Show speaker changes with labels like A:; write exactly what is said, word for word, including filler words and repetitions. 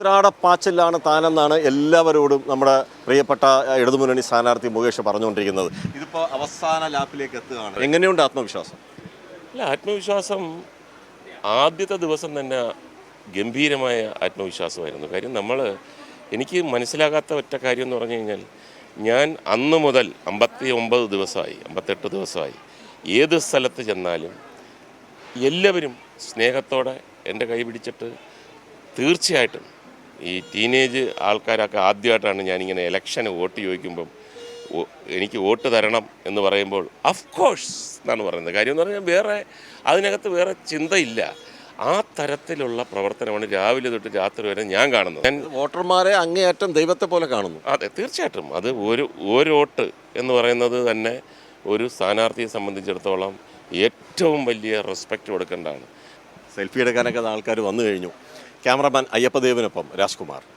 A: ഉത്രാടപ്പാച്ചിലാണ് താനെന്നാണ് എല്ലാവരോടും നമ്മുടെ പ്രിയപ്പെട്ട ഇടതുമുന്നണി സ്ഥാനാർത്ഥി മുകേഷ് പറഞ്ഞുകൊണ്ടിരിക്കുന്നത്. ഇതിപ്പോൾ അവസാന ലാപ്പിലേക്ക് എത്തുകയാണ്. എങ്ങനെയുണ്ട് ആത്മവിശ്വാസം?
B: അല്ല, ആത്മവിശ്വാസം ആദ്യത്തെ ദിവസം തന്നെ ഗംഭീരമായ ആത്മവിശ്വാസമായിരുന്നു. കാര്യം നമ്മൾ എനിക്ക് മനസ്സിലാകാത്ത ഒറ്റ കാര്യം എന്ന് പറഞ്ഞു കഴിഞ്ഞാൽ, ഞാൻ അന്ന് മുതൽ അമ്പത്തി ഒമ്പത് ദിവസമായി അമ്പത്തെട്ട് ദിവസമായി ഏത് സ്ഥലത്ത് ചെന്നാലും എല്ലാവരും സ്നേഹത്തോടെ എൻ്റെ കൈ പിടിച്ചിട്ട്, തീർച്ചയായിട്ടും ഈ ടീനേജ് ആൾക്കാരൊക്കെ ആദ്യമായിട്ടാണ് ഞാനിങ്ങനെ ഇലക്ഷന് വോട്ട് ചോദിക്കുമ്പം എനിക്ക് വോട്ട് തരണം എന്ന് പറയുമ്പോൾ ഓഫ് കോഴ്സ് എന്നാണ് പറയുന്നത്. കാര്യം എന്ന് പറഞ്ഞാൽ വേറെ അതിനകത്ത് വേറെ ചിന്തയില്ല. ആ തരത്തിലുള്ള പ്രവർത്തനമാണ് രാവിലെ തൊട്ട് രാത്രി വരെ ഞാൻ കാണുന്നത്. ഞാൻ
A: വോട്ടർമാരെ അങ്ങേയറ്റം ദൈവത്തെ പോലെ കാണുന്നു.
B: അതെ, തീർച്ചയായിട്ടും അത് ഒരു ഒരു വോട്ട് എന്ന് പറയുന്നത് തന്നെ ഒരു സ്ഥാനാർത്ഥിയെ സംബന്ധിച്ചിടത്തോളം ഏറ്റവും വലിയ റെസ്പെക്റ്റ് കൊടുക്കേണ്ടതാണ്.
A: സെൽഫി എടുക്കാനൊക്കെ ആൾക്കാർ വന്നു കഴിഞ്ഞു. ക്യാമറമാൻ അയ്യപ്പദേവിനൊപ്പം രാജ്കുമാർ.